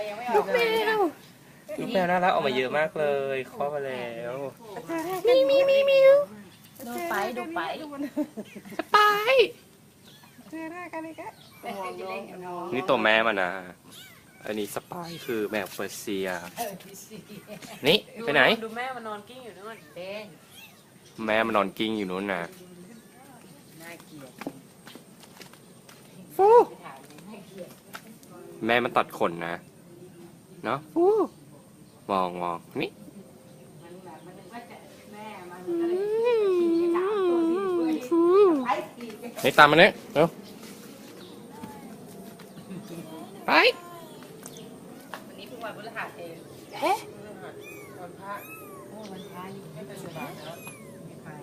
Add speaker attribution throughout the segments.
Speaker 1: ยังไม่อ
Speaker 2: ลู
Speaker 1: อก
Speaker 2: กแมว
Speaker 3: ลูกแมวน่ารักออกมาเยอะมากเลยคลอดมาแล้ว
Speaker 2: มี
Speaker 1: ดูไปดูไป
Speaker 2: ไป
Speaker 3: นี่ตัวแม่มันนะอันนี้สปายคือแมวเปอร์เซียนี่ไปไหน
Speaker 1: ดูแม่มันนอนกิ้งอยู่นู่นเด้ง
Speaker 3: แม่มันนอนกิ้งอยู่นู้นนะ
Speaker 1: น่าเกลียด
Speaker 2: ฟู
Speaker 3: แม่มันตัดขนนะเนาะ
Speaker 2: ฟู
Speaker 3: มองนี่
Speaker 2: ฟู
Speaker 3: นี่ตามมาเนี่ยเร็วไป
Speaker 1: วันนี้เพิ่งวันพฤหัสเอง
Speaker 2: เอ๊ะ
Speaker 1: วันพระโอ้วันพระนี่ไม่เป็นไรแล้วไม่ไป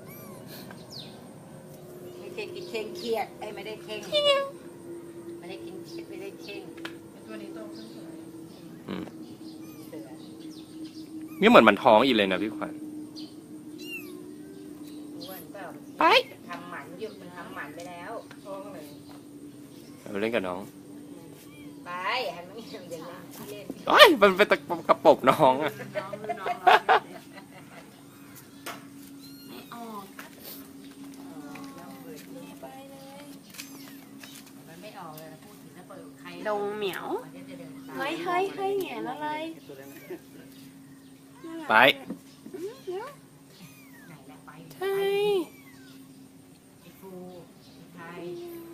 Speaker 1: ไม่ใช่กินเข่งเครียดไอ้ไม่ได้เข่งไม่ได้กินไม่ได้เข่งตัวนี้โตขึ้นสวย
Speaker 3: อืม
Speaker 1: เสือ
Speaker 3: นี่เหมือนมันท้องอีกเลยนะพี่ขวัญ
Speaker 1: อ้วนเปล่า
Speaker 2: ไป
Speaker 1: ทำหมันอยู่มันทำหมันไปแล้วท้องเลย
Speaker 3: เราเล่นกับน้อง
Speaker 1: ไปหันมาอย่างเดียวเล่น
Speaker 3: โอ้ยมันเป็นตะกระปบน้องอะ
Speaker 1: น้องไม่ออกไปเลยมันไม่ออกเลยพูดถึงแล้วเปิดใคร
Speaker 2: ดงเหมียว
Speaker 1: มันก็จะเดินตาม
Speaker 2: เฮ้ยแหงนอะไร
Speaker 3: ไป
Speaker 1: ไหนแหละไป
Speaker 2: ใช่
Speaker 1: ไอ้ฟูไอ้ไทย